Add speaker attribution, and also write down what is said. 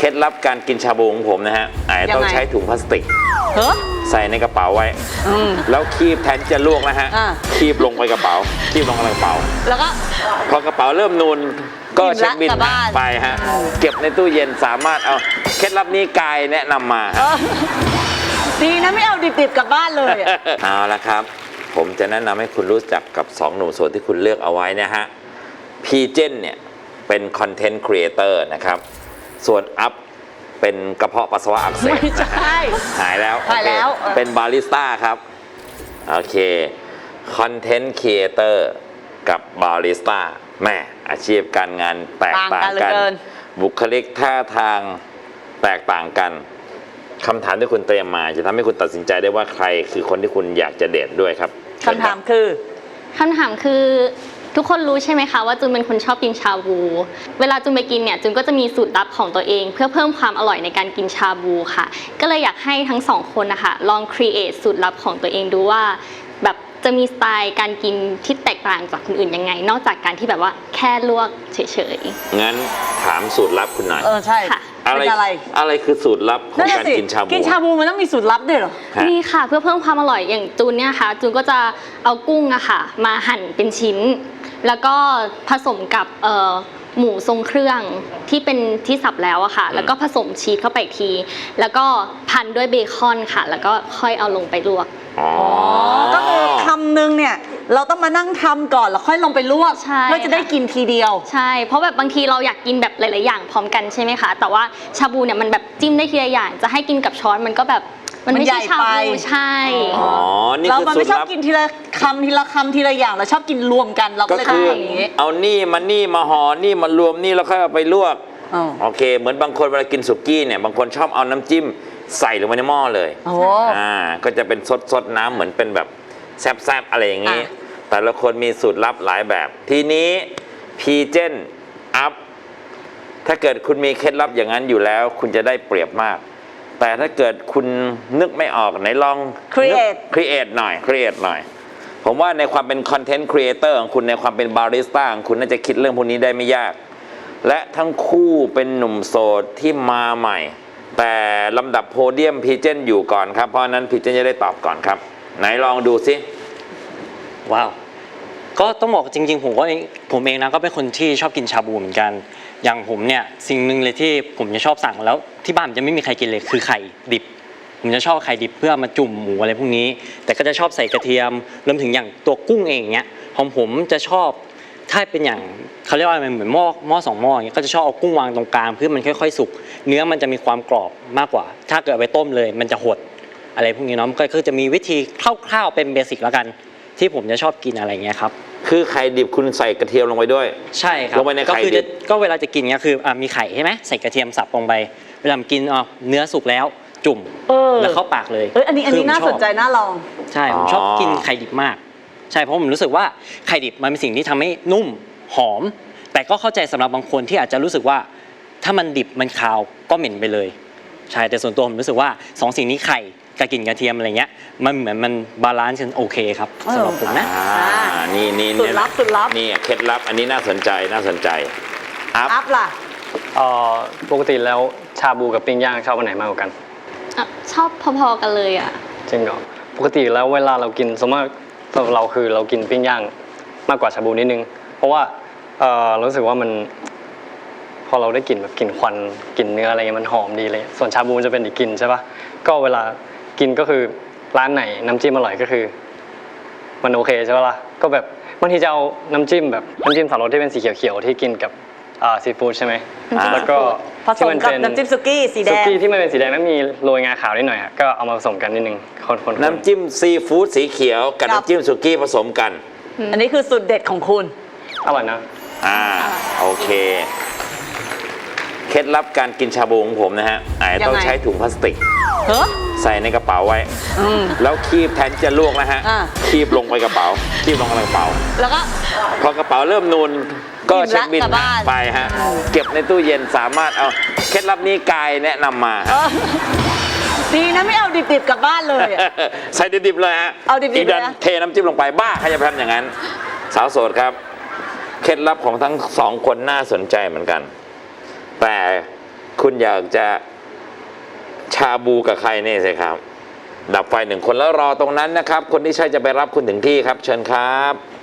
Speaker 1: ล็ดลับการกินชาบูของผมนะฮะอาจจะต้องใช้ถุงพลาสติกใส่ในกระเป๋าไว้แล้วคีบแทนจะลวกนะฮะคีบลงไปกระเป๋าคีบลงกระเป๋าแล้วก็พอกระเป๋าเริ่มนูนก็เช็คบินไปฮะเก็บในตู้เย็นสามารถเอาเคล็ดลับนี้กายแนะนำมา
Speaker 2: ดีนะไม่เอาดิบๆกลับบ้านเลย
Speaker 1: เอาละครับผมจะแนะนำให้คุณรู้จักกับ2หนุ่มโสดที่คุณเลือกเอาไว้นะฮะพีเจนเนี่ยเป็นคอนเทนต์ครีเอเตอร์นะครับส่วนอัพเป็นกระเพาะปัสสาวะอักเสบนะฮะหายแล้วเป็นบาริสต้าครับโอเคคอนเทนต์ครีเอเตอร์กับบาริสต้าแม่อาชีพการงานแตกต่างกันบุคลิกท่าทางแตกต่างกันคำถามที่คุณเตรียมมาจะทำให้คุณตัดสินใจได้ว่าใครคือคนที่คุณอยากจะเดทด้วยครับ
Speaker 2: คำถามคือ
Speaker 3: ทุกคนรู้ใช่ไหมคะว่าจูนเป็นคนชอบกินชาบูเวลาจูนไปกินเนี่ยจูนก็จะมีสูตรลับของตัวเองเพื่อเพิ่มความอร่อยในการกินชาบูค่ะก็เลยอยากให้ทั้งสองคนนะคะลองครีเอทสูตรลับของตัวเองดูว่าแบบจะมีสไตล์การกินที่แตกต่างจากคนอื่นยังไงนอกจากการที่แบบว่าแค่ลวกเฉย
Speaker 1: ๆงั้นถามสูตรลับคุณหน่อย
Speaker 2: ใช่
Speaker 3: ค่ะ
Speaker 1: อะไรคือสูตรลับของการกินชาบู
Speaker 2: กินชาบูมันต้องมีสูตรลับด้วยเหรอ
Speaker 3: นี่ค่ะเพื่อเพิ่มความอร่อยอย่างจูนเนี่ยค่ะจูนก็จะเอากุ้งอะค่ะมาหั่นเป็นชิ้นแล้วก็ผสมกับหมูทรงเครื่องที่เป็นที่สับแล้วอะค่ะแล้วก็ผสมชีสเข้าไปอีกทีแล้วก็พันด้วยเบคอนค่ะแล้วก็ค่อยเอาลงไปลวก
Speaker 2: ก็คือคำนึงเนี่ยเราต้องมานั่งทำก่อนแล้วค่อยลงไปลวกเพื่อจะได้กินทีเดียว
Speaker 3: ใช่เพราะแบบบางทีเราอยากกินแบบหลายๆอย่างพร้อมกันใช่ไหมคะแต่ว่าชาบูเนี่ยมันแบบจิ้มได้ทีละอย่างจะให้กินกับช้อนมันก็แบบมันไม่ใช่ชาบูใช่
Speaker 2: เราไม่ชอบกินทีละคำทีละอย่างเราชอบกินรวมกันเราก็เลย
Speaker 1: ทำอย่างนี้เอานี่มาห่อนี่มารวมนี่แล้วค่อยเอาไปลวกโอเคเหมือนบางคนเวลากินสุกี้เนี่ยบางคนชอบเอาน้ำจิ้มใส่ลงไปในหม้อเลยก็จะเป็นซดน้ำเหมือนเป็นแบบแซบๆอะไรอย่างนี้แต่ละคนมีสูตรลับหลายแบบทีนี้พีเจนอัพถ้าเกิดคุณมีเคล็ดลับอย่างนั้นอยู่แล้วคุณจะได้เปรียบมากแต่ถ้าเกิดคุณนึกไม่ออกไหนลอง
Speaker 2: ครี
Speaker 1: เอทหน่อยผมว่าในความเป็นคอนเทนต์ครีเอเตอร์ของคุณในความเป็นบาริสต้าของคุณน่าจะคิดเรื่องพวกนี้ได้ไม่ยากและทั้งคู่เป็นหนุ่มโสดที่มาใหม่แต่ลำดับโพเดียมพีเจนอยู่ก่อนครับเพราะนั้นพีเจนจะได้ตอบก่อนครับไหนลองดูสิ
Speaker 4: ว้าวก็ต้องบอกจริงๆผมเองนะก็เป็นคนที่ชอบกินชาบูเหมือนกันอย่างผมเนี่ยสิ่งหนึ่งเลยที่ผมจะชอบสั่งแล้วที่บ้านจะไม่มีใครกินเลยคือไข่ดิบผมจะชอบไข่ดิบเพื่อมาจุ่มหมูอะไรพวกนี้แต่ก็จะชอบใส่กระเทียมรวมถึงอย่างตัวกุ้งเองเงี้ยของผมจะชอบถ้าเป็นอย่างเขาเรียกว่าอะไรเหมือนหม้อ2หม้ออย่างเงี้ยก็จะชอบเอากุ้งวางตรงกลางเพื่อมันค่อยๆสุกเนื้อมันจะมีความกรอบมากกว่าถ้าเกิดไปต้มเลยมันจะหดอะไรพวกนี้เนาะก็คือจะมีวิธีคร่าวๆเป็นเบสิกแล้วกันที่ผมจะชอบกินอะไรเงี้ยครับ
Speaker 1: คือไข่ดิบคุณใส่กระเทียมลงไปด้วย
Speaker 4: ใช่ครับ
Speaker 1: ลงไปในไข่ดิบ
Speaker 4: ก็เวลาจะกินเงี้ยคือมีไข่ใช่ไหมใส่กระเทียมสับลงไปเวลากินเนื้อสุกแล้วจุ่มแล้วเข้าปากเลย
Speaker 2: อันนี้น่าสนใจน่าลอง
Speaker 4: ใช่ผมชอบกินไข่ดิบมากใช่เพราะผมรู้สึกว่าไข่ดิบมันเป็นสิ่งที่ทำให้นุ่มหอมแต่ก็เข้าใจสำหรับบางคนที่อาจจะรู้สึกว่าถ้ามันดิบมันคาวก็เหม็นไปเลยใช่แต่ส่วนตัวผมรู้สึกว่า2สิ่งนี้ไข่กับกลิ่นกระเทียมอะไรเงี้ยมันเหมือนมันบาลานซ์กันโอเคครับสำหรับผมนะ
Speaker 1: นี่
Speaker 2: สูตรลับ
Speaker 1: นี่เคล็ดลับอันนี้น่าสนใจ
Speaker 2: อัพล่ะ
Speaker 5: ปกติแล้วชาบูกับปิ้งย่างชอบอันไหนมากกว่ากัน
Speaker 3: ชอบพอๆกันเลยอ่ะ
Speaker 5: จริงเหรอปกติแล้วเวลาเรากินสมมติเราคือเรากินปิ้งย่างมากกว่าชาบูนิดนึงเพราะว่ารู้สึกว่ามันพอเราได้กลิ่นแบบกลิ่นควันกลิ่นเนื้ออะไรเงี้ยมันหอมดีเลยส่วนชาบูจะเป็นอีกกลิ่นใช่ปะก็เวลากินก็คือร้านไหนน้ำจิ้มอร่อยก็คือมันโอเคใช่ปะล่ะก็แบบบางทีจะเอาน้ำจิ้มแบบน้ำจิ้มสับปะรดที่เป็นสีเขียวๆที่กินกับซีฟู้ดใช่ไหมแล้วก็
Speaker 2: ผสมกับน้ำจิ้มสุกี้สีแดง
Speaker 5: ที่มันเป็นสีแดงแล้วมีโรยงาขาวนิดหน่อยก็เอามาผสมกันนิดนึงคน
Speaker 1: น้ำจิ้มซีฟู้ดสีเขียวกับน้ำจิ้มสุกี้ผสมกัน
Speaker 2: อันนี้คือสูตรเด็ดของคุณ
Speaker 5: อร่อยนะ
Speaker 1: โอเคเคล็ดลับการกินชาบูของผมนะฮะอาจจะต้องใช้ถุงพลาสติกใส่ในกระเป๋าไว้แล้วคีบแทนจะลวกนะฮะคีบลงไปกระเป๋าคีบลงกระเป๋า
Speaker 2: แล้วก็
Speaker 1: พอกระเป๋าเริ่มนูนก็เช็คบินไปฮะเก็บในตู้เย็นสามารถเอาเคล็ดลับนี้กายแนะนำมา
Speaker 2: ดีนะไม่เอาดิบๆกลับบ้านเลย
Speaker 1: ใส่ดิบๆเลยฮะ
Speaker 2: เอาดิบๆ
Speaker 1: เลยนะเทน้ำจิ้มลงไปบ้าใครจะทำอย่างนั้นสาวโสดครับเคล็ดลับของทั้ง2คนน่าสนใจเหมือนกันแต่คุณอยากจะชาบูกับใครเนี่ยสิครับ ดับไฟ1 คนแล้วรอตรงนั้นนะครับ คนที่ใช่จะไปรับคุณถึงที่ครับ เชิญครับ